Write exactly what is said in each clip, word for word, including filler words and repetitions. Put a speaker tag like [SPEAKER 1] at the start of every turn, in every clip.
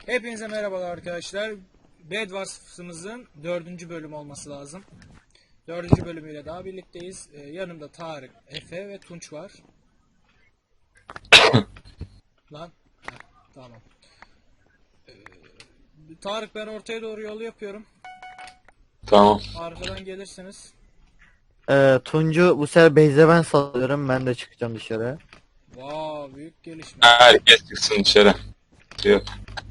[SPEAKER 1] Hepinize merhabalar arkadaşlar. Bed Wars'ımızın dördüncü bölüm olması lazım. Dördüncü bölümüyle daha birlikteyiz. Ee, yanımda Tarık, Efe ve Tunç var. Lan. Heh, tamam. Ee, Tarık, ben ortaya doğru yol yapıyorum.
[SPEAKER 2] Tamam.
[SPEAKER 1] Arkadan gelirsiniz.
[SPEAKER 3] Ee, Tuncu bu sefer Beyze ben salıyorum. Ben de çıkacağım dışarı.
[SPEAKER 1] Wow, büyük gelişme.
[SPEAKER 2] Herkes çıksın dışarı. Yok.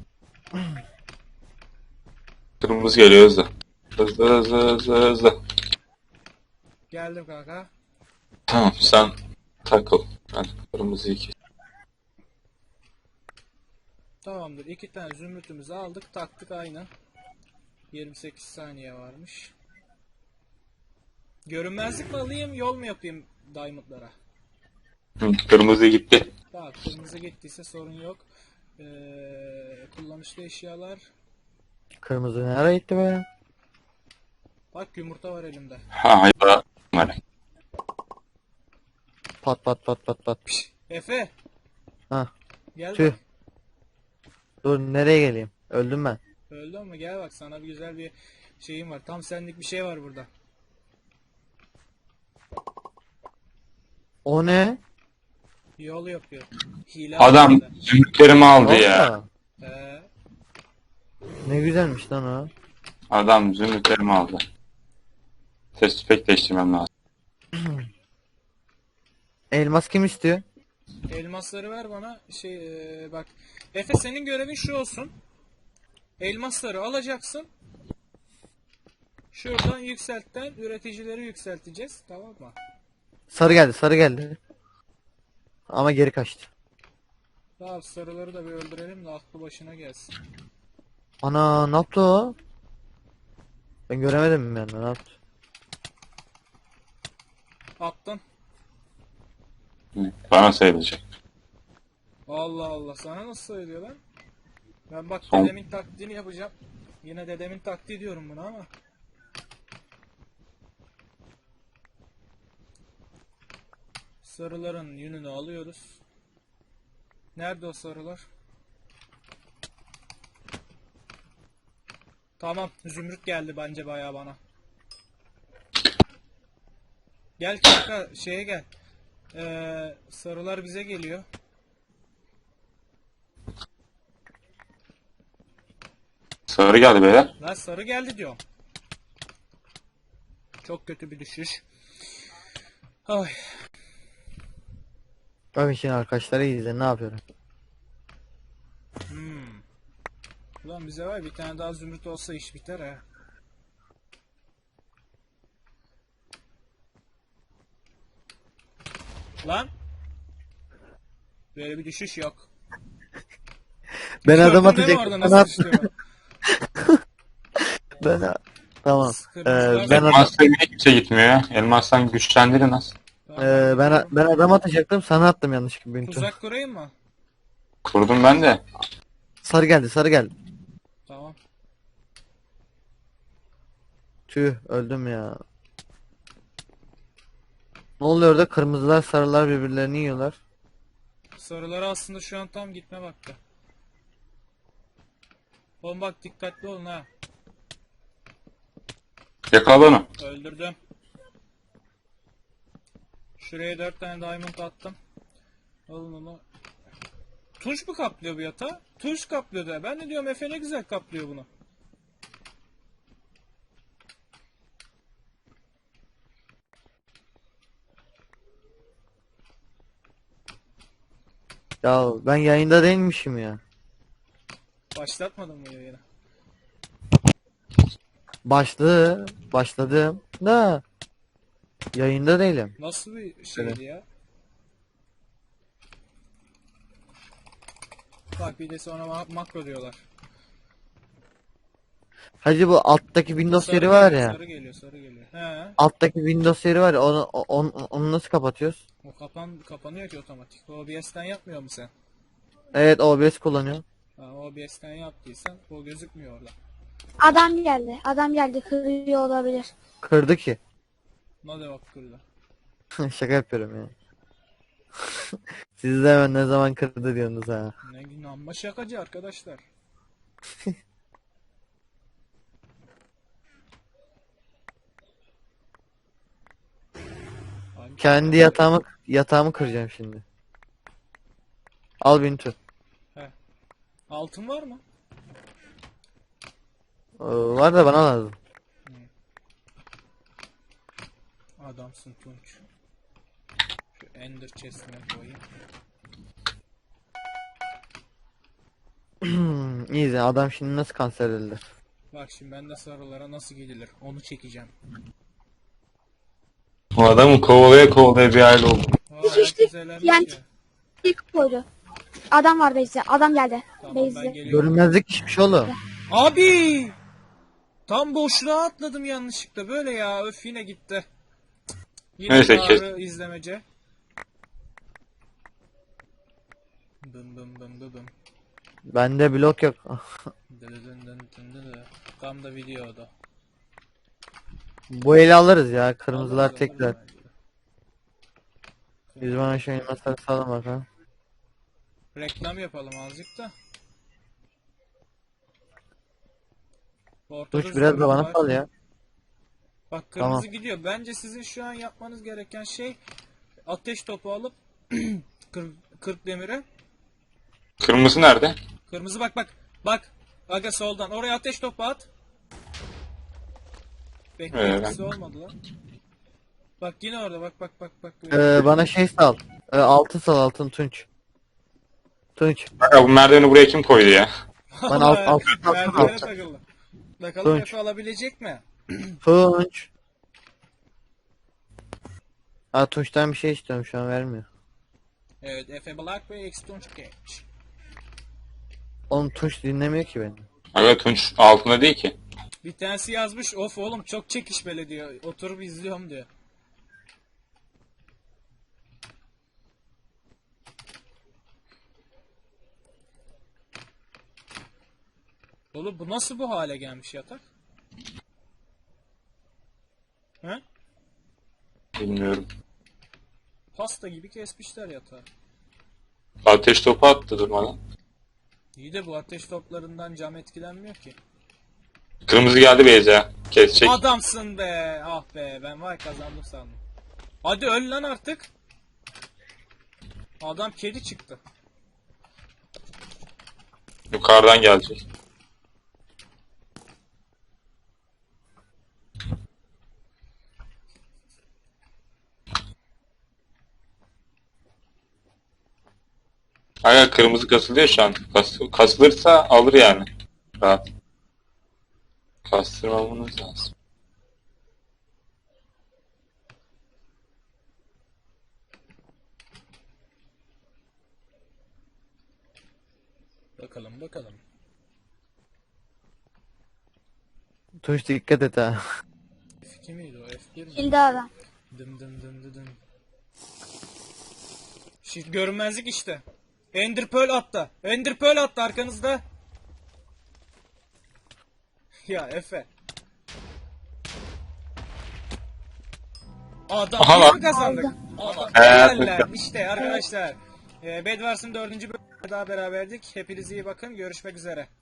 [SPEAKER 2] Kırmızı geliyor hızlı. Hızlı hızlı hızlı hızlı.
[SPEAKER 1] Geldim kanka.
[SPEAKER 2] Tamam sen takıl. Ben kırmızıyı kes.
[SPEAKER 1] Tamamdır. İki tane zümrütümüzü aldık. Taktık aynı. yirmi sekiz saniye varmış. Görünmezlik mi alayım, yol mu yapayım diamondlara?
[SPEAKER 2] Hı, kırmızı gitti.
[SPEAKER 1] Tamam, kırmızı gittiyse sorun yok. Ee, kullanışlı eşyalar.
[SPEAKER 3] Kırmızı nereye gitti be?
[SPEAKER 1] Bak, yumurta var elimde.
[SPEAKER 2] Ha hayır. Var.
[SPEAKER 3] Pat pat pat pat pat.
[SPEAKER 1] Piş, Efe,
[SPEAKER 3] Hah.
[SPEAKER 1] gel
[SPEAKER 3] Tüh.
[SPEAKER 1] bak.
[SPEAKER 3] Dur nereye geleyim? Öldüm ben.
[SPEAKER 1] Öldün mü? Gel bak, sana bir güzel bir şeyim var. Tam senlik bir şey var burada.
[SPEAKER 3] O ne?
[SPEAKER 1] Yol yapıyor. Hile
[SPEAKER 2] Adam
[SPEAKER 1] aslında.
[SPEAKER 2] zümrütlerimi aldı ya.
[SPEAKER 3] Valla.
[SPEAKER 1] Ee,
[SPEAKER 3] Ne güzelmiş lan o.
[SPEAKER 2] Adam zümrütlerimi aldı. Ses pek değiştirmem lazım.
[SPEAKER 3] Elmas kim istiyor?
[SPEAKER 1] elmasları ver bana. Şey ee, bak. Efe, senin görevin şu olsun. Elmasları alacaksın. Şuradan yükseltten üreticileri yükselteceğiz. Tamam mı?
[SPEAKER 3] Sarı geldi sarı geldi. Ama geri kaçtı.
[SPEAKER 1] Daha sarıları da bir öldürelim de aklı başına gelsin.
[SPEAKER 3] Ana ne yaptı o? Ben göremedim yani ne yaptı?
[SPEAKER 1] Attın.
[SPEAKER 2] Hı, Bana sayılacak.
[SPEAKER 1] Allah Allah, sana nasıl söylüyor lan? Ben bak,
[SPEAKER 2] Son-
[SPEAKER 1] dedemin taklidini yapacağım. Yine dedemin taktiği diyorum buna ama. Sarıların yününü alıyoruz. Nerede o sarılar? Tamam, zümrüt geldi bence bayağı bana. Gel kanka, şeye gel. Ee, sarılar bize geliyor.
[SPEAKER 2] Sarı geldi beyler.
[SPEAKER 1] Lan sarı geldi diyor. Çok kötü bir düşüş. Ay.
[SPEAKER 3] Bak şimdi arkadaşları izle ne yapıyorum.
[SPEAKER 1] Hmm. Ulan bize var, bir tane daha zümrüt olsa iş biter ha. Lan. Böyle bir düşüş yok.
[SPEAKER 3] Ben adam
[SPEAKER 1] Gördün değil mi
[SPEAKER 3] atacaktım.
[SPEAKER 1] orada
[SPEAKER 3] Ben,
[SPEAKER 1] nasıl
[SPEAKER 3] at
[SPEAKER 1] düştüğümü?
[SPEAKER 3] ben Tamam. Ee,
[SPEAKER 1] Kırmızılar-
[SPEAKER 3] ben adam,
[SPEAKER 2] Elmasla niye kimse gitmiyor ya? Elmastan güçlendirin az.
[SPEAKER 1] Tamam,
[SPEAKER 3] ee, ben
[SPEAKER 1] gidiyorum.
[SPEAKER 3] ben adam atacaktım. Sana attım yanlışlıkla Bintun.
[SPEAKER 1] Tuzak kurayım mı?
[SPEAKER 2] Kurdum ben de.
[SPEAKER 3] Sarı geldi sarı geldi.
[SPEAKER 1] Tamam.
[SPEAKER 3] Tüh öldüm ya. Ne oluyor orada? Kırmızılar sarılar birbirlerini yiyorlar.
[SPEAKER 1] Sarılara aslında şu an tam gitme vakti. Oğlum bak, dikkatli olun ha.
[SPEAKER 2] Yakala onu.
[SPEAKER 1] Öldürdüm. Şuraya dört tane diamond attım. Alın onu. Tunç mu kaplıyor bu yatağı? Tunç kaplıyor da. Ben de diyorum Efe ne güzel kaplıyor bunu.
[SPEAKER 3] Ya ben yayında değilmişim ya.
[SPEAKER 1] Başlatmadın mı yayını?
[SPEAKER 3] Başladı. Başladım. Da. Yayında değilim.
[SPEAKER 1] Nasıl bir şeydi
[SPEAKER 3] Evet.
[SPEAKER 1] ya? Bak, bir de sonra ma- makro diyorlar.
[SPEAKER 3] Hacı bu alttaki Windows
[SPEAKER 1] Sarı
[SPEAKER 3] yeri var
[SPEAKER 1] geliyor,
[SPEAKER 3] ya.
[SPEAKER 1] sarı geliyor, sarı geliyor. He.
[SPEAKER 3] Alttaki Windows yeri var ya. Onu, onu, onu nasıl kapatıyoruz?
[SPEAKER 1] O kapan kapanıyor ki otomatik. O B S'ten yapmıyor mu sen?
[SPEAKER 3] Evet O B S kullanıyorum.
[SPEAKER 1] Ha, O B S'ten yaptıysan o gözükmüyor orada.
[SPEAKER 4] Adam geldi. Adam geldi. Kırıyor olabilir.
[SPEAKER 3] Kırdı ki.
[SPEAKER 1] Ne de bak kırdı.
[SPEAKER 3] Şaka yapıyorum ya. Siz de hemen ne zaman kırdı diyorsunuz ha.
[SPEAKER 1] Ne gün amma şakacı arkadaşlar. Abi,
[SPEAKER 3] Kendi yatağımı yatağımı kıracağım şimdi. Al Bintu.
[SPEAKER 1] altın var mı?
[SPEAKER 3] Ee, var da bana lazım.
[SPEAKER 1] Adamsın Tunç. Şu Ender chest'ine koyayım.
[SPEAKER 3] İyi de adam şimdi nasıl kanser edilir?
[SPEAKER 1] Bak şimdi ben de sarılara nasıl gidilir onu çekeceğim.
[SPEAKER 2] O adamı kovalaya kovalaya bir aile oldu.
[SPEAKER 1] Aa,
[SPEAKER 4] Hiç işte
[SPEAKER 1] herkes eğlenmiş
[SPEAKER 4] yani-
[SPEAKER 1] ya.
[SPEAKER 4] İlk koydu. Adam var base'de. Adam geldi.
[SPEAKER 1] Tamam ben
[SPEAKER 4] Base'de.
[SPEAKER 1] geliyorum.
[SPEAKER 3] Görünmezlik işmiş oğlum.
[SPEAKER 1] Abi! Tam boşluğa atladım yanlışlıkla. Böyle ya. Öf yine gitti. Yine
[SPEAKER 2] Neyse,
[SPEAKER 1] Neyse, izlemece. Bım bım bım bım bım.
[SPEAKER 3] Bende blok yok.
[SPEAKER 1] Dı dı dın dın dın dı dı. Tam da videoda.
[SPEAKER 3] Bu eli alırız ya. Kırmızılar
[SPEAKER 1] Alırız,
[SPEAKER 3] tekrar.
[SPEAKER 1] alırız bence de.
[SPEAKER 3] Biz bana şu elmasları salın bakalım.
[SPEAKER 1] Reklam yapalım azıcık da. Ortada
[SPEAKER 3] Duş biraz da
[SPEAKER 1] zombi
[SPEAKER 3] bana
[SPEAKER 1] var.
[SPEAKER 3] sal ya.
[SPEAKER 1] Bak kırmızı
[SPEAKER 3] Tamam.
[SPEAKER 1] gidiyor. Bence sizin şu an yapmanız gereken şey ateş topu alıp kırk, kırk demire.
[SPEAKER 2] Kırmızı nerede?
[SPEAKER 1] Kırmızı bak bak. Bak. Aga soldan. Oraya ateş topu at. Beklentisi olmadı lan. Bak yine orada bak bak bak bak.
[SPEAKER 3] Ee, bana şey sal. Ee, altın sal altın Tunç. Tunç.
[SPEAKER 2] Ya bu merdiveni buraya kim koydu ya?
[SPEAKER 3] Ben alt, alt, alt,
[SPEAKER 1] Merdivene
[SPEAKER 3] alt.
[SPEAKER 1] takıldı. Bakalım
[SPEAKER 3] Tunç.
[SPEAKER 1] Efe alabilecek mi?
[SPEAKER 3] Tunç. Ha Tunç'tan bir şey istiyorum şu an vermiyor.
[SPEAKER 1] Evet Efe Black ve X Tunç Genç.
[SPEAKER 3] Oğlum Tunç dinlemiyor ki beni.
[SPEAKER 2] Aga Tunç altında değil ki.
[SPEAKER 1] Bir tanesi yazmış of oğlum çok çekişmeli diyor. Oturup izliyorum diyor. Oğlum bu nasıl bu hale gelmiş yatak? He?
[SPEAKER 2] Bilmiyorum.
[SPEAKER 1] Pasta gibi kesmişler yatağı.
[SPEAKER 2] Ateş topu attı durmadan.
[SPEAKER 1] İyi de bu ateş toplarından cam etkilenmiyor ki.
[SPEAKER 2] Kırmızı geldi Beyza. Kesecek.
[SPEAKER 1] Adamsın be. Ah be ben vay kazandım sandım. Hadi öl lan artık. Adam kedi çıktı.
[SPEAKER 2] Yukarıdan gelecek. Aga kırmızı kasılıyor şu an. Kas, kasılırsa alır yani. Rahat. Kastırmamamız lazım.
[SPEAKER 1] Bakalım bakalım.
[SPEAKER 3] Tunç dikkat et ha.
[SPEAKER 1] F iki miydi o F bir mi?
[SPEAKER 4] Kildi adam.
[SPEAKER 1] Dım dım dım dım dım. Şimdi görünmezlik işte. Ender Pearl attı. Ender Pearl attı arkanızda. Ya Efe. Adam
[SPEAKER 2] Aha
[SPEAKER 1] yine
[SPEAKER 2] lan.
[SPEAKER 1] mi kazandık? Adam.
[SPEAKER 2] Evet.
[SPEAKER 1] Helaller. İşte arkadaşlar. E, Bedwars'ın dördüncü bölümünde daha beraberdik. Hepinize iyi bakın. Görüşmek üzere.